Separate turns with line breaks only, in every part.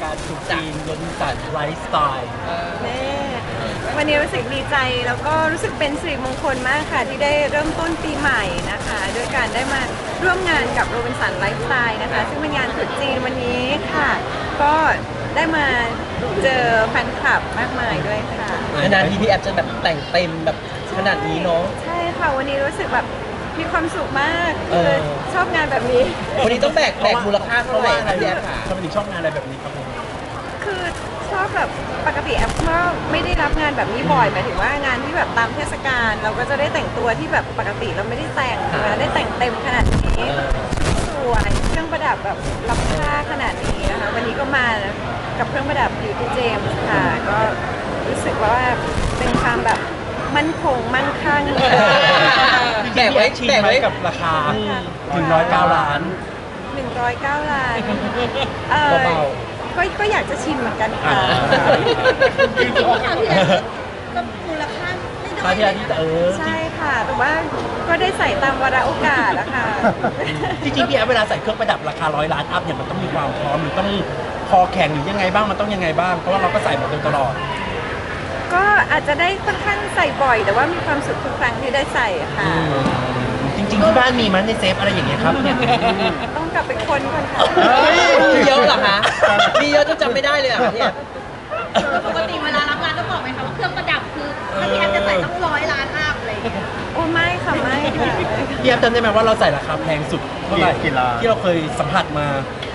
การตรุษจีนโรบินสันไลฟ์สไตล์
แม่วันนี้รู้สึกดีใจแล้วก็รู้สึกเป็นสิริมงคลมากค่ะที่ได้เริ่มต้นปีใหม่นะคะด้วยการได้มาร่วมงานกับโรบินสันไลฟ์สไตล์นะคะซึ่งเป็นงานตรุษจีนวันนี้ค่ะ ก็ได้มาเจอแฟนคลับมากมายด้วยค่ะ
นานๆทีพี่แอฟจะแบบแต่งเต็มแบบขนาดนี้เนาะ
ใช่ค่ะวันนี้รู้สึกแบบมีความสุขมากคือชอบงานแบบนี้
วันนี้ต้องแบกมูลค่าเท่าไหร่ครับพี่แอฟค่ะ
ทำไมถึงชอบงานอะไรแบบนี้ครับผม
คือชอบแบบปกติแอปก็ไม่ได้รับงานแบบนี้บ่อยหมายถึงว่างานที่แบบตามเทศกาลเราก็จะได้แต่งตัวที่แบบปกติเราไม่ได้แต่งนะได้แต่งเต็มขนาดนี้สวยเครื่องประดับแบบล้ำค่าขนาดนี้นะคะวันนี้ก็มากับเครื่องประดับ Beauty James ค่ะ ก็รู้สึกว่าเป็นความแบบมั่นคงมั่นคั่ง
แบกไว้
ชิน
แบก
ไหม
ไว้
กับราคา
อืม
109 ล้าน
109 ล้าน
เบา
ก็อยากจะชิมเหมือนกันค่ะ
ก็มูลค่าไม่
ค่า
น้อย
ที่
เลย
ที่
นะ
ใช่ค่ะ แต่ว่าก็ได้ใส่ตามวาระโอกาสนะคะ
จริงๆพี่แอฟเวลาใส่เครื่องประดับราคา100 ล้านอัพเนี่ยมันต้องมีความพร้อมหรือต้องคอแข็งหรือยังไงบ้างมันต้องยังไงบ้างเพราะว่าเราก็ใส่มาโดยตลอด
ก็อาจจะได้ค่อนข้างใส่บ่อย แต่ว่ามีความสุขทุกครั้งที่ได้ใส่ค่ะ
จริงๆที่บ้านมีมันในเซฟอะไรอย่างเงี้ยครับเนี่ย
ต้องกลับไปค้นก่อนค่ะ
มีเยอะเหรอคะมีเยอะจนจำไม่ได้เลยเหรอคะพี่แอฟ
ปกติเวลารับงานต้องบอกไหมคะว่าเครื่องประดับคือถ้าพี่แอฟจะใส่ต้อง100 ล้านอัพอะไรอย่างเลย
โอ้ไม่ค่ะไม่ค่ะ
พี่แอฟจำได้ไหมว่าเราใส่ราคาแพงสุดเท่าไหร่
กี่ล้าน
ที่เราเคยสัมผัสมา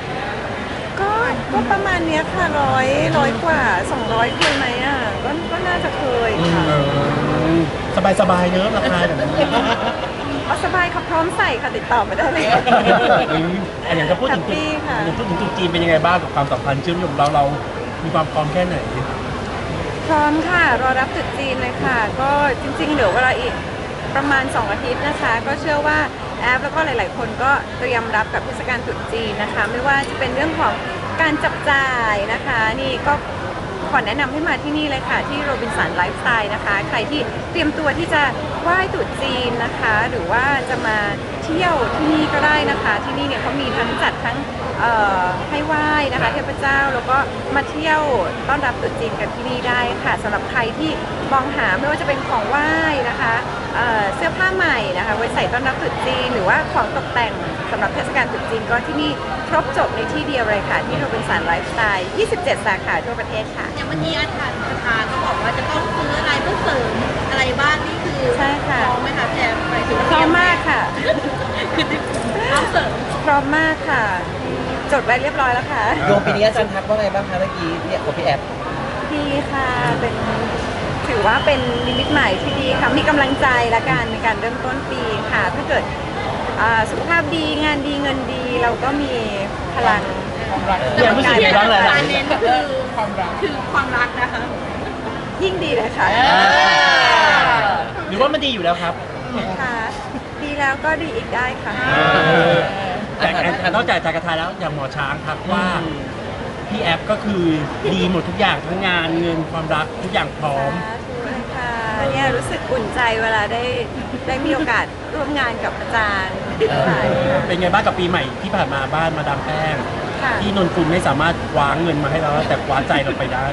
ก็ประมาณเนี้ยค่ะร้อยกว่า200เคยไหมอ่ะก็น่าจะเคยค่ะ
สบายๆเนอะราคาแบบนี้
เอาสบายค่ะพร้อมใส่ค่ะติดต่อมาได้เลย
อันอย่างถ้าพูดถึง
แฮปปี้ค่ะ
อย่างพูดถึงตุ๊จีนเป็นยังไงบ้างกับความสัมพันธ์เชื่อมโยงเรามีความพร้อมแค่ไหน
พร้อมค่ะรอรับตรุษจีนเลยค่ะ ก็จริงๆเหลือเวลาอีกประมาณ2อาทิตย์นะคะ ก็เชื่อว่าแอปแล้วก็หลายๆ คนก็เตรียมรับกับเทศกาลตรุษจีนนะคะ ไม่ว่าจะเป็นเรื่องของการจับจ่ายนะคะ นี่ก็ขอแนะนำให้มาที่นี่เลยค่ะที่โรบินสันไลฟ์สไตล์นะคะ ใครที่เตรียมตัวที่จะไหว้ตรุษจีนนะคะ หรือว่าจะมาเที่ยวที่นี่ก็ได้นะคะ ที่นี่เนี่ยเขามีทั้งจัดทั้งให้ไหว้นะคะเทพเจ้าแล้วก็มาเที่ยวต้อนรับตรุษจีนกันที่นี่ได้ค่ะสำหรับใครที่มองหาไม่ว่าจะเป็นของไหว้นะคะเสื้อผ้าใหม่นะคะไว้ใส่ต้อนรับตรุษจีนหรือว่าของตกแต่งสำหรับเทศกาลตรุษจีนก็ที่นี่ครบจบในที่เดียวเลยค่ะที่โรบินสันไลฟ์สไตล์27 สาขาทั่วประเทศค่ะ
อย่างเมื่อกี้อาจารย์ประธานก็บอกว่าจะต้องซื้ออะไรเพื่อเสริมอะไรบ้างนี่คือ
ใช่ค่ะ
พร้อมไหมคะพี่แอฟหมายถึงว่า
พร้อมมากค่ะ
เอาเสริม
พร้อมมากค่ะ จดไว้เรียบร้อยแล้วค่ะ
โยมปีนี้อาจารย์ทักว่าไงบ้างคะเมื่อกี้พี่กับพี่แอฟ
ดีค่ะเป็นถือว่าเป็นนิมิตใหม่ที่ดีค่ะมีกำลังใจละกันในการเริ่มต้นปีค่ะ ถ้าเกิดสุขภาพดีงานดีเงินดีเราก็มีพลัง
พี่แอฟรู้สึกยังไงบ้างหลาย
การเน้นคือความรักนะคะ
ยิ่งดีเลยค่ะ
หรือว่ามันดีอยู่แล้วครับ
ค่ะ ดีแล้วก็ดีอีกได้ค่ะ
แต่นอกจากจากกระทายแล้วอย่างหมอช้างทักว่าพี่แอฟก็คือดีหมดทุกอย่างทั้งงานเงินความรักทุกอย่างพร้อม
สาธุเลยค่ะเนี่ยรู้สึกอุ่นใจเวลาได้มีโอกาสร่วมงานกับอาจารย์ค่ะ
เป็นไงบ้างกับปีใหม่ที่ผ่านมาบ้านมาดามแป้ง
ค่ะ
ที่นนกุลไม่สามารถคว้าเงินมาให้เราแต่คว้าใจเราไปได้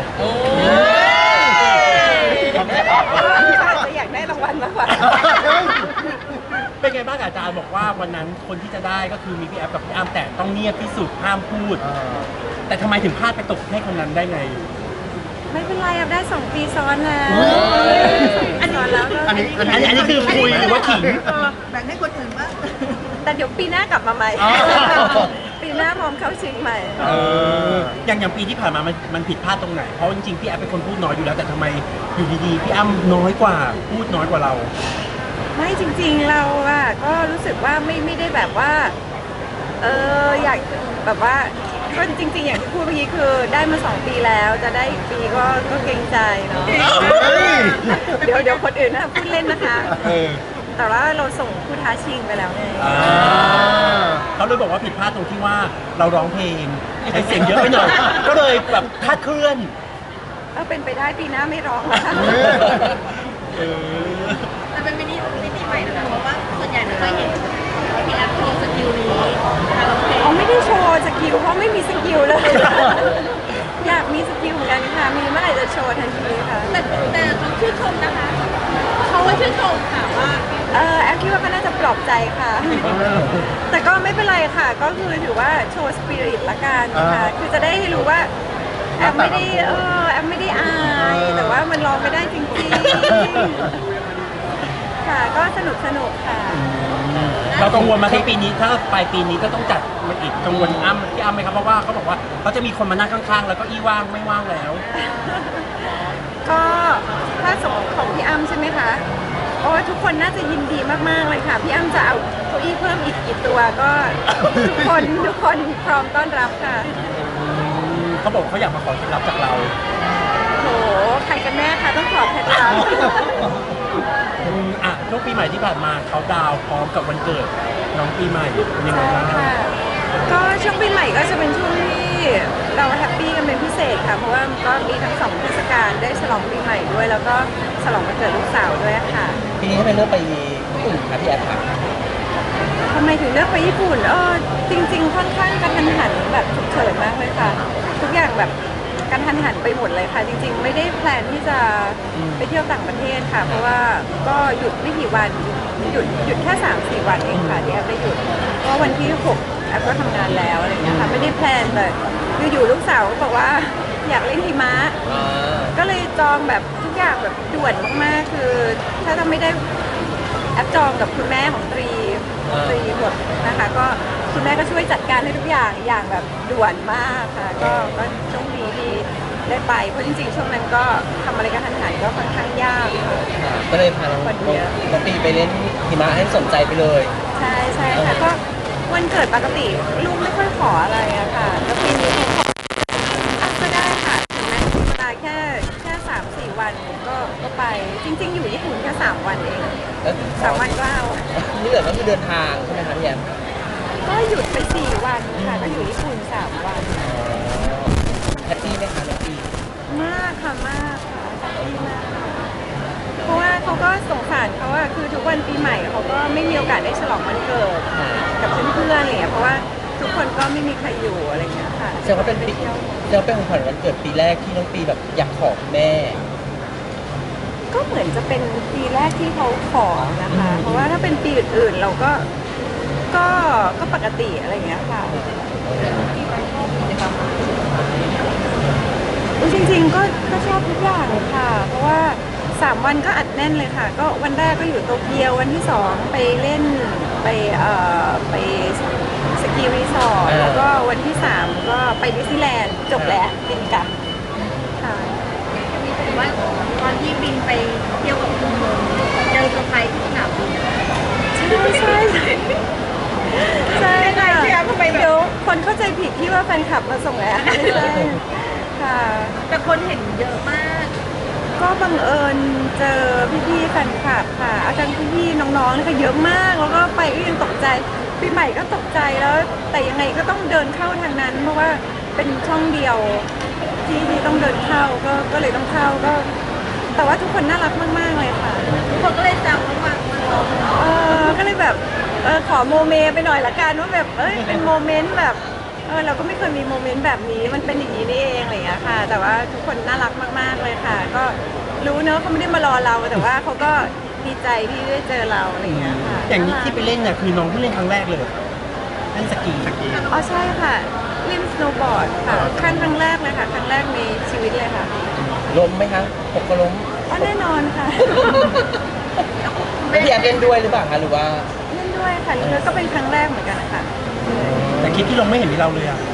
อาจจะอยากได้รางวัลมากกว่า
เป็นไงบ้างอาจารย์บอกว่าวันนั้นคนที่จะได้ก็คือมีพี่แอฟกับพี่อ้ำแต่ต้องเงียบที่สุดห้ามพูด แต่ทำไมถึงพลาดไปตกให้คนนั้นได้ไง
ไม่เป็นไรได้2 ปีซ้อนแล้วอันซ้อนแล้วก็
อันนี้
อันนี้คือคุยหรือว่าขิง
แบ่งให้คนอื่นบ้าง
แต่เดี๋ยวปีหน้ากลับมาใหม่
อ๋อ
ปีหน้าพร้อมเข้าชิงใหม่
อย่างปีที่ผ่านมามันผิดพลาดตรงไหน เพราะจริงๆพี่แอฟเป็นคนพูดน้อยอยู่แล้วแต่ทำไมอยู่ดีๆพี่อ้ำน้อยกว่าพูดน้อยกว่าเรา
ไม่จริงๆเราอะก็รู้สึกว่าไม่ได้แบบว่าอยากแบบว่าก็จริงๆอย่างที่พูดเมื่อกี้คือได้มา2 ปีแล้วจะได้อีกปีก็เกรงใจเนาะเดี๋ยวคนอื่นนะพูดเล่นนะคะ แต่ว่าเราส่งผู้ท้าชิงไปแล้วไง
เขาเลยบอกว่าผิดพลาดตรงที่ว่าเราร้องเพลงใช้เสียงเยอะไปหน่อย ก็เลยแบบคลาดเคลื่อน
เป็นไปได้ปีหน้าไม่ร้องนะคะ
แต่เป็นมินิใหม่นะคะเพราะว่าส่วนใหญ่ไม่ค่อยเห็นพี่แอฟโชว์สกิลนี้การร้องเพลง
เขาไม่ได้โชว์สกิลเพราะไม่มีสกิลเลยโชว์ทันทีค่ะ
แต่เขาชื่นชมนะคะเขาว่าชื่นชมค่ะว่า
แอฟคิดว่าก็น่าจะปลอบใจค่ะ แต่ก็ไม่เป็นไรค่ะ ก็คือถือว่าโชว์สปิริตละกันค่ะ คือจะได้รู้ว่าแอฟไม่ได้แอฟไม่ได้อาย แต่ว่ามันร้องไม่ได้จริงๆ ค่ะ ก็สนุกค่ะ
เรากังวลมาที่ปีนี้ถ้าปลายปีนี้ก็ต้องจัดมันอีกกังวลพี่อ้ำไหมครับเพราะว่าเขาบอกว่าเขาจะมีคนมานั่งข้างๆ แล้วก็อี้ว่างไม่ว่างแล้ว
ก็ถ้าสมมติของพี่อ้ำใช่ไหมคะโอ้ทุกคนน่าจะยินดีมากๆเลยค่ะ พี่อ้ำจะเอาเก้าอี้เพิ่มอีกกี่ตัวก็ ทุกคนพร้อมต้อนรับค่ะ
เขาบอกเขาอยากมาขอเคล็ดลับจากเรา
โหใครกันแน่คะต้องขอเคล็ดลับ
ช่วงปีใหม่ที่ผ่านมาเขาดาวน์พร้อมกับวันเกิดน้องปีใหม่เป็นยังไง
ใช่
บ้าง
ค่ะ ก็ช่วงปีใหม่ก็จะเป็นช่วงที่เราแฮปปี้กันเป็นพิเศษค่ะ เพราะว่าก็มีทั้งสองเทศกาลได้ฉลองปีใหม่ด้วย แล้วก็ฉลองวันเกิดลูกสาวด้วยค่ะ
ปีนี้ทำไมเลือกไปญี่ปุ่นคะพี่แอฟค่ะ
ทำไมถึงเลือกไปญี่ปุ่นจริงๆค่อนข้างกระทันหันแบบฉุกเฉินมากเลยค่ะ ทุกอย่างแบบกระทันหันไปหมดเลยค่ะ จริงๆ ไม่ได้แพลนที่จะไปเที่ยวต่างประเทศค่ะ เพราะว่าก็หยุดไม่กี่วันหยุดแค่3-4 วันเองค่ะที่แอฟได้หยุดเพราะวันที่6แอฟก็ทำงานแล้วอะไรอย่างเงี้ยค่ะไม่ได้แพลนเลยอยู่ๆลูกสาวก็บอกว่าอยากเล่นหิมะ ก็เลยจองแบบทุกอย่างแบบด่วนมากๆ คือถ้าจะไม่ได้แอปจองกับคุณแม่ของตรีหมดนะคะ ก็คุณแม่ก็ช่วยจัดการให้ทุกอย่างแบบด่วนมากค่ะ ก็โชคดีที่ได้ไป เพราะจริงๆ ช่วงนั้นก็ทำอะไรกันทันหันก็ค่อนข้างยากค่ะ
ก็เลยพาน้องปีไปเล่นหิมะให้สนใจไปเลย
ใช่ค่ะ ก็วันเกิดปกติลูกไม่ค่อยขออะไรอะค่ะ แล้วปีนี้เขาขอก็ได้ค่ะถึงแม้จะมีเวลาแค่3-4 วันก็ไป จริง ๆ อยู่ญี่ปุ่นแค่3 วันเอง 3 วันก็เอา
นี่เหลือก็คือเดินทางใช่ไหมคะพี่แอฟ
ก็หยุดไป4 วันค่ะ ก็อยู่ญี่ปุ่น3 วัน
แฮปปี้ไหมคะน้องปี
มากค่ะมากค่ะแฮปปี้มากเพราะว่าเขาก็สงสารเขาอะคือทุกวันปีใหม่เขาก็ไม่มีโอกาสได้ฉลองวันเกิดกับเพื่อนๆอะไรอย่างเงี้ยเพราะว่าทุกคนก็ไม่มีใครอยู่อะไรอย่างเงี้ยค่ะ
แสดงว่าเป็นปีแสดงว่าเป็นของขวัญวันเกิดปีแรกที่น้องปีแบบอยากขอคุณแม่
ก็เหมือนจะเป็นปีแรกที่เขาขอนะคะ เพราะว่าถ้าเป็นปีอื่นๆเราก็ปกติอะไรอย่างเงี้ยค่ะจริงๆก็ชอบทุกอย่างเลยค่ะ เพราะว่า3 วันก็อัดแน่นเลยค่ะ ก็วันแรกก็อยู่โตเกียววันที่2ไปเล่นไปสกีรีสอร์ทแล้วก็วันที่3ก็ไปดิสนีย์แลนด์จบแล้วบินกลับค่ะ
เห็นว่าตอนที่บินไปเที่ยวกับคุณเจอเซอร์ไพรส์ที่สนามบิน
ใช่ค่ะ
พี่แอฟทำไมแบบ
เดี๋ยวคนเข้าใจผิดที่ว่าแฟนคลับมาส่งแอร์ไม่ใช่ค่ะ
แต่คนเห็นเยอะมาก
ก็บังเอิญเจอพี่ๆแฟนคลับค่ะ อาจารย์พี่ๆน้องๆนะคะเยอะมาก แล้วก็ไปก็ยังตกใจปีใหม่ก็ตกใจแล้ว แต่ยังไงก็ต้องเดินเข้าทางนั้น เพราะว่าเป็นช่องเดียวที่ต้องเดินเข้าก็เลยต้องเข้าก็ แต่ว่าทุกคนน่ารักมากๆเลยค่ะ
ทุกคนก็เลยแซวว่ามาลง
ก็เลยแบบขอโมเมไปหน่อยละกันว่าแบบเป็นโมเมนต์แบบเราก็ไม่เคยมีโมเมนต์แบบนี้มันเป็นอย่างนี้นี่เองอะไรอย่างเงี้ยค่ะ แต่ว่าทุกคนน่ารักมากๆเลยค่ะ ก็รู้เนอะเขาไม่ได้มารอเราแต่ว่าเขาก็ดีใจที่ได้เจอเราอะไรอย่างเงี้ยค่ะ
อย่างนี้ที่ไปเล่นเนี่ยคือน้องเพิ่งเล่นครั้งแรกเลยเล่นสกี
อ๋อใช่ค่ะเล่นสโนว์บอร์ดค่ะครั้งแรกเลยค่ะครั้งแรกในชีวิตเลยค่ะ
ล้มไหมคะหกก็ล้ม
อ๋อแน่นอนค่ะ
แล้วพี่แอฟเล่นด้วยหรือเปล่าคะหรือว่า
เล่นด้วยค่ะแล้วก็เป็นครั้งแรกเหมือนกันค่ะ
แต่คลิปที่ลงไม่เห็นมีเราเลยอ่ะ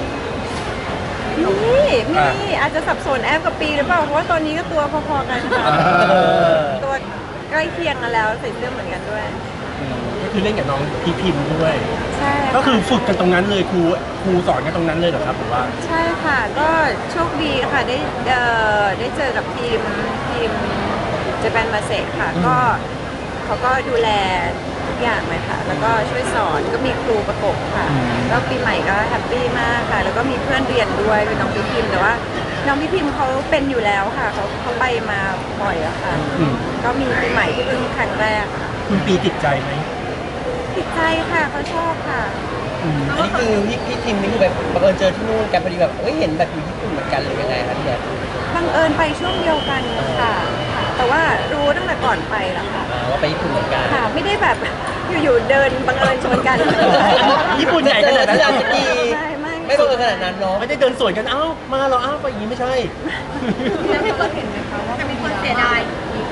มีอาจจะสับสนแอฟกับปีหรือเปล่าเพราะว่าตอนนี้ก็ตัวพอๆกันค่ะ ตัวใกล้เคียงกันแล้วใส่เสื้อเหมือนกันด้วย
ก็คือเล่นกับน้องพีพิมพ์ด้วย
ใช่ะ
ก็คือฝึกกันตรงนั้นเลยครูสอนกันตรงนั้นเลยเหรอครับผมว่า
ใช่ค่ะ ก็โชคดีค่ะได้เจอกับทีมเจแปนมาเซค่ะ ก็เขาก็ดูแลทุกอย่างเลยค่ะ แล้วก็ช่วยสอนก็มีครูประกบค่ะ ก็ปีใหม่ก็แฮปปี้มากค่ะ แล้วก็มีเพื่อนเรียนด้วยเป็นน้องพี่พิมพ์แต่ว่าน้องพี่พิมพ์เขาเป็นอยู่แล้วค่ะเขาไปมาบ่อยอะค่ะ ก็มีปีใหม่ที่เพิ่งครั้งแรกค่ะ
คุณปีติดใจไหม
ติดใจค่ะเขาชอบค่ะ
อันนี้คือพี่ทีมนี่คือแบบบังเอิญเจอที่นู่นกันพอดีแบบเอ้ยเห็นแบบอยู่ญี่ปุ่นเหมือนกันหรือยังไงครับพี่แอฟ
บังเอิญไปช่วงเดียวกันค่ะแต่ว่ารู้ตั้งแต่ก่อนไปแล้วค่ะ
ว่าไปญี่ปุ่นเหมือนกัน
ค่ะไม่ได้แบบอยู่ๆเดินบังเอิญชนกัน
ญี่ปุ่นใหญ่ขนาดนั้น
เจอที่ร้านสกี
ไม่
ไม่บังเอิญขนาดนั้นเนาะ
ไม่ได้เดินสวนกันเอ้ามาเราอ้าวไปอย่างนี้ไม่ใช่
แล้วมีคนเห็นไหมคะว่าจะมีคนเสียดาย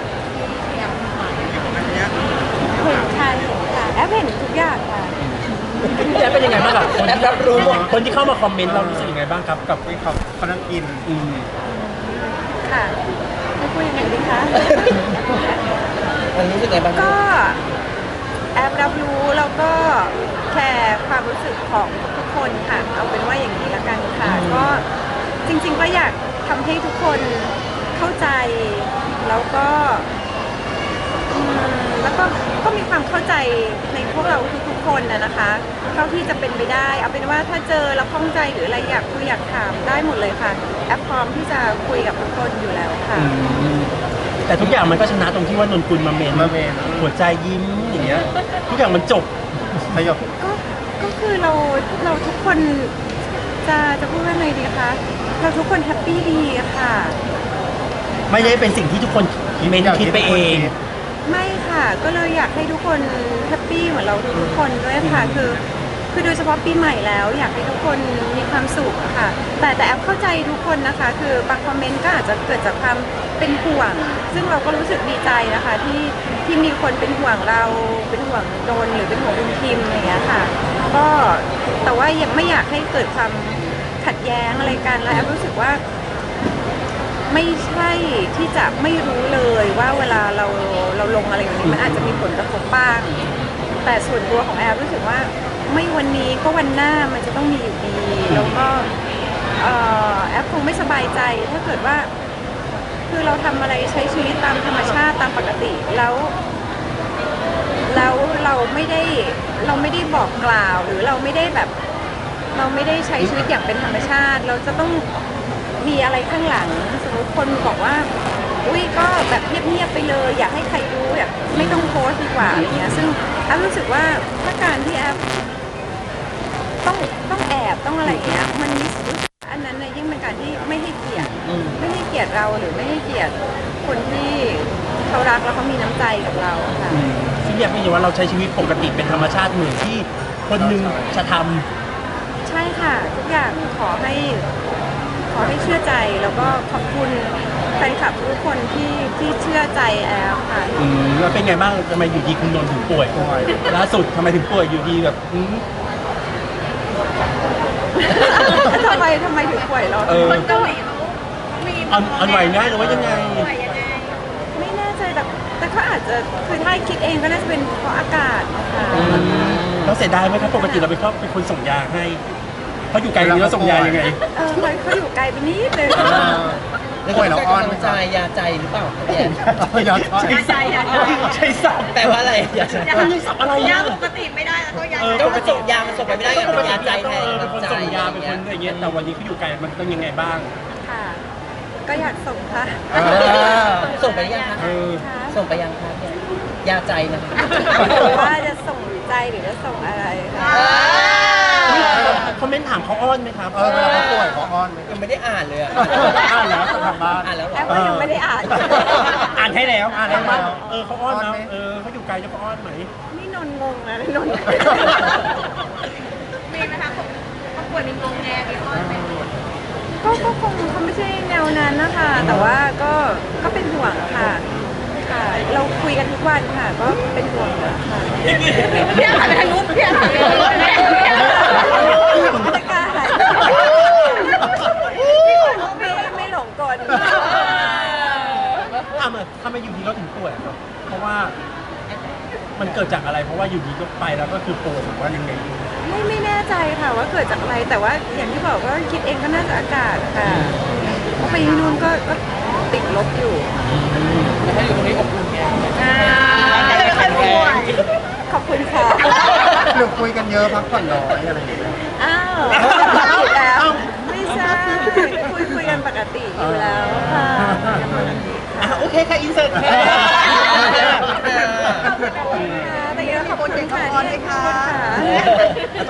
เห็นค่ะเห็นค่ะแอปเห็นทุกอย่างค่ะ
พี่แอฟเป็นยังไงบ้างกับคน
แอปรับรู้หมด
คนที่เข้ามาคอมเมนต์เรารู้สึกยังไงบ้างครับกับที่เขานั่งอิน
ค่ะไม่พูดยังไงดีคะ
มันรู้สึกไงบ้าง
ก็แอปรับรู้แล้วก็แคร์ความรู้สึกของทุกคนค่ะ เอาเป็นว่าอย่างนี้ละกันค่ะ ก็จริงๆก็อยากทำให้ทุกคนเข้าใจ แล้วก็ก็มีความเข้าใจในพวกเราทุกๆคนนะคะเท่าที่จะเป็นไปได้ เอาเป็นว่าถ้าเจอแล้วข้องใจหรืออะไรอยากคุยอยากถามได้หมดเลยค่ะ แอปพร้อมที่จะคุยกับทุกคนอยู่แล้วค่ะ
แต่ทุกอย่างมันก็ชนะตรงที่ว่านนกุลมาเมนหัวใจยิ้มอย่างเงี้ยทุกอย่างมันจบสยบ
ก็คือเราทุกคนจะพูดว่าไงดีคะเราทุกคนแฮปปี้ดีค่ะ
ไม่ได้เป็นสิ่งที่ทุกคนเมนคิดไปเอง
ไม่ค่ะ ก็เลยอยากให้ทุกคนแฮปปี้เหมือนเราทุกๆคนด้วยค่ะ คือโดยเฉพาะปีใหม่แล้ว อยากให้ทุกคนมีความสุขค่ะ แต่แอปเข้าใจทุกคนนะคะ คือบางคอมเมนต์ก็อาจจะเกิดจากความเป็นห่วง ซึ่งเราก็รู้สึกดีใจนะคะที่มีคนเป็นห่วงเราเป็นห่วงโดนหรือเป็นห่วงคุณพิมพ์อะไรอย่างเงี้ยค่ะ ก็แต่ว่ายังไม่อยากให้เกิดความขัดแย้งอะไรกันแล้วแอปรู้สึกว่า ไม่ใช่ที่จะไม่รู้เลยว่าเวลาเราลงอะไรอย่างนี้มันอาจจะมีผลกระทบบ้าง แต่ส่วนตัวของแอฟรู้สึกว่าไม่วันนี้ก็วันหน้ามันจะต้องมีอยู่ดีแล้วก็แอฟคงไม่สบายใจถ้าเกิดว่า คือเราทำอะไรใช้ชีวิตตามธรรมชาติตามปกติแล้วเราไม่ได้บอกกล่าวหรือเราไม่ได้แบบ เราไม่ได้ใช้ชีวิตอย่างเป็นธรรมชาติ เราจะต้องมีอะไรข้างหลังสมมติคนบอกว่าอุ้ยก็แบบเงียบๆไปเลยอยากให้ใครรู้แบบไม่ต้องโพสต์ดีกว่าอะไรเงี้ยซึ่งแอฟรู้สึกว่าถ้าการที่แอฟต้องแอบต้องอะไรเงี้ยมันรู้สึกอันนั้นเนี่ยยิ่งเป็นการที่ไม่ให้เกียรติเราหรือไม่ให้เกียรติคนที่เขารักแล้วเขามีน้ำใจกับเราค่ะ
ซึ่งอยากให้เห็นว่าเราใช้ชีวิตปกติเป็นธรรมชาติเหมือนที่คนหนึ่งจะท
ใช่ค่ะ ทุกอย่างขอให้เชื่อใจแล้วก็ขอบคุณแฟนคลับทุกคนที่เชื่อใจแอลค่ะ
ำแล้วเป็นไงบ้างทำไมอยู่ดีคุณนนท์ถึงป่วยล่าสุดทำไมถึงป่วยอยู่ดีแบบ
ทำไมถึงป่วยเหรอ
คนเกาหลีเขามี
อ่อนไหวง่ายหรือว่ายังไง
ป่วยยังไง
ไม่แน่ใจแต่เขาอาจจะคือถ้าคิดเองก็น่าจะเป็นเพราะอากาศนะคะ
เราเสียดายไหมครับปกติเราเป็นคนส่งยาให้เขาอยู่ไกลนี้เราส่งยายังไง
เขาอยู่ไกลไปนิดนึง
แล้วก็เราอ้อนใจยาใจหรือเปล่าพี่แอฟ
ยาใจใช่สับ
แปลว่าอะไรยาใจ
ไม่ใช่สับอะไร
ยา
อ่ะ
ปกติไม่ได้แล้วก็ยา
ก็มันส่งยามันส่งไปไม่ได้ไง
ปก
เป็น
ติ
ยาใจแทน
เป็นคนส่งยาเป็นคนอะไรเงี้ยแต่วันนี้เขาอยู่ไกลมันต้องยังไงบ้าง
ค่ะ ก็อยากส่งค่ะ
ส่งไปยังคะ
เออ
ค่ะ
ส่งไปยังคะพี่แอฟยาใจนะคะ
ว่าจะส่งใจหรือจะส่งอะไรค่ะ
คอมเมนต์ถามเขาอ้อนไหมครับ
เวลาเขาป่วยเขาอ้อนไหม
ยังไม่ได้อ่านเลยอะ
อ่านแล้วทางบ้าน
อ่านแล้วเหร
แอ
อ
ปก็ยังไม่ได้อ่าน
อ่านให้แล้วอ่านให้แล้ว
อ่านให้แล้ว
เขาอ้อนนะ
อ้อนไหม
เขาอยู่ไกลจะเขาอ้อนไหม
นี่นนงงนะนน
มีไหมคะคนป่วยมีงงแงมีอ้อนไหม
ก็คงเขาไม่ใช่แนวนั้นนะคะ แต่ว่าก็เป็นห่วงค่ะค่ะ เราคุยกันทุกวันค่ะ ก็เป็นห่วงค่ะ
พี่หันไปทางนู้นพี่หันไปทางนู้น
ไม่กล้าหายไม่หลงกล
ทำไมอยู่ดีเราถึงป่วยครับ เพราะว่ามันเกิดจากอะไร เพราะว่าอยู่ดีก็ไปแล้วก็คือป่วยหรือว่ายังไง
ไม่แน่ใจค่ะว่าเกิดจากอะไร แต่ว่าอย่างที่บอกว่าคิดเองก็น่าจะอากาศค่ะเพราะไปที่นู่นก็ติดลบอยู่
ถ้าอยู่ตรงนี้อบอุ่นไง
ก็เลยค่อยป่วย
ขอบคุณค่ะ
หรือคุยกันเยอะพักผ่อนน้อยอะไรอย่างเงี้ย
อ้าวผิดแล้วไม่ใช่คุยกันปกติอยู่แล้วค่ะ
โอเคค่ะ อินเสิร์ตค่ะ
แต่ยังขอบคุณค่ะที่ให้ข้อมูลค่ะ